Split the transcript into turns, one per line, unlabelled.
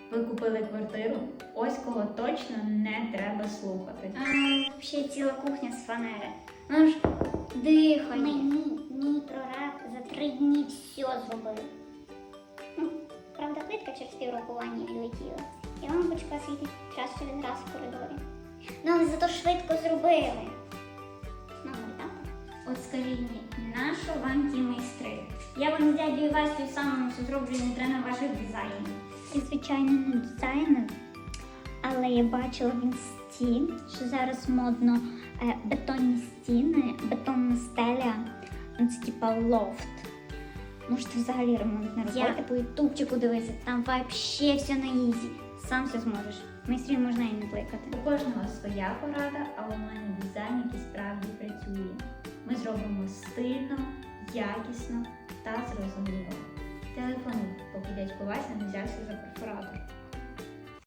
Ви купили квартиру? Ось кого точно не треба слухати.
Ще ціла кухня з фанери. Ну ж, дихай.
Мій прораб за 3 дні все зробив. Правда, плитка через піврокування відлетіла. І лампочка світить час через раз в коридорі. Ну, але зато швидко зробили. Ну, так.
От скажіть мені, нащо вам ті майстри? Я вам з дядю Васю самому все зроблю, не треба ваших дизайнів.
Я, звичайно, не дизайнер, але я бачила в інсті, що зараз модно бетонні стіни, бетонна стеля, ну це типа лофт. Можете взагалі ремонт не робити.
Я по ютубчику дивися, там вообще все на ізі. Сам все зможеш. Майстрів можна і не кликати.
У кожного своя порада, а у мене дизайн, який справді працює. Ми зробимо стильно, якісно та зрозуміло. Телефонуй, поки дядько Вася не взявся за перфоратор.